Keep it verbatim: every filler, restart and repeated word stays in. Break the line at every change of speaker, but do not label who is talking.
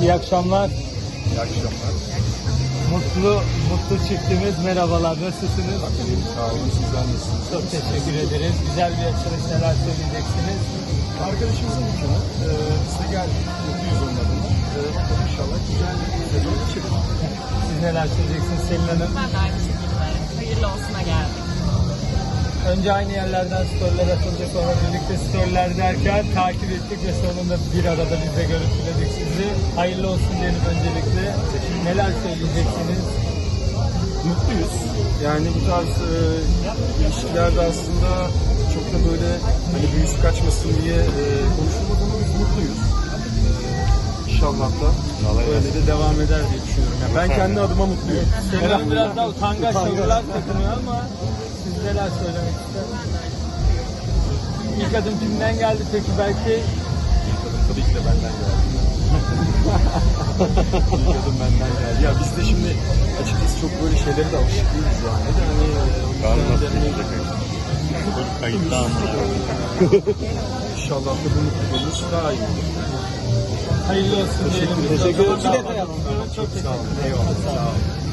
İyi akşamlar.
İyi akşamlar.
Mutlu, mutlu çiftimiz. Merhabalar. Nasılsınız?
Sağ olun. Sizler nasılsınız?
Çok teşekkür ederiz. Güzel bir açılış. Neler söyleyeceksiniz?
Arkadaşımızın dükkanı. Ee, biz de geldik. Mutluyuz onun adına. Ee, bakalım inşallah güzel bir sezon geçirir.
Siz neler söyleyeceksiniz Selin Hanım?
Ben de aynı şekilde. Hayırlı olsuna geldik.
Önce aynı yerlerden storyler atıldı. Sonra birlikte storyler derken takip ettik ve sonunda bir arada biz de görüntüledik sizi. Hayırlı olsun diyelim öncelikle. Neler söyleyeceksiniz?
Mutluyuz. Yani bu tarz e, ilişkilerde aslında çok da böyle hani büyüsü kaçmasın diye e, konuşulmaz ama biz mutluyuz. Ee, İnşallah da böyle de devam eder diye düşünüyorum. Yani ben kendi adıma mutluyum.
Selin Hanım biraz daha utangaç sorular takınıyor ama siz neler söylemek istersiniz? İlk adım kimden geldi peki belki?
Tabii ki de benden geldi. İlk adım benden geldi. Ya biz de şimdi açıkçası çok böyle şeylere de alışık değiliz yani. De hani o yüzden
Kayıtta ama.
İnşallah da bu mutluluğumuz daha iyi olur.
Hayırlı olsun diyelim.
Teşekkür ederim.
Çok teşekkür ederim.
Çok sağ olun. Eyvallah. Sağ olun.